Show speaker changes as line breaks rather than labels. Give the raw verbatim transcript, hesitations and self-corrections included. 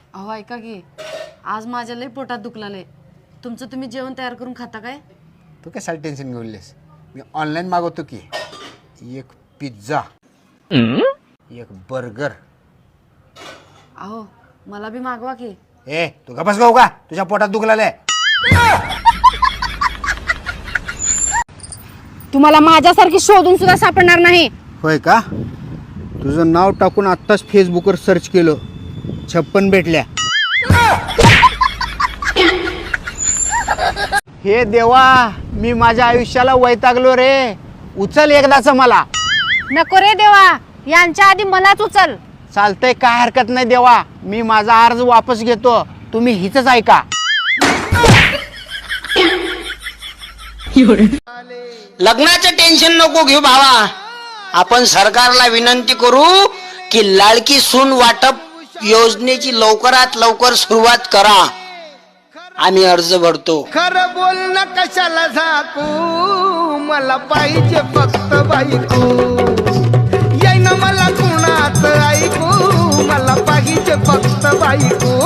अहो ऐका की आज माझ्या लई पोटात दुखलाय. तुमचं तुम्ही जेवण तयार करून खाता काय?
तू कशाला टेन्शन घेऊनलेस? मी ऑनलाईन मागवतो की एक पिझ्झा एक बर्गर.
अहो मला बी मागवा की.
ए तू का बस गाऊ का? तुझ्या पोटात दुखलाय.
तुम्हाला माझ्यासारखी शोधून सुद्धा सापडणार नाही.
होय का? तुझं नाव टाकून आत्ताच फेसबुकवर सर्च केलं, छप्पन भेटल्या. हे देवा, मी माझ्या आयुष्याला वैतागलो रे. उचल एकदाच मला.
नको रे देवा, यांच्या आधी मलाच उचल.
चालतंय, काय हरकत नाही देवा. मी माझा अर्ज वापस घेतो. तुम्ही हिचंच ऐका.
लग्नाचं टेन्शन नको घेऊ भावा. आपण सरकारला विनंती करू की लाडकी सून वाटप योजनेची लवकरात लवकर सुरुवात करा. आम्ही अर्ज भरतो.
खरं बोलणं कशाला झाकू, मला पाहिजे फक्त बायको. येईन मला कुणाच ऐकू, मला पाहिजे फक्त बायको.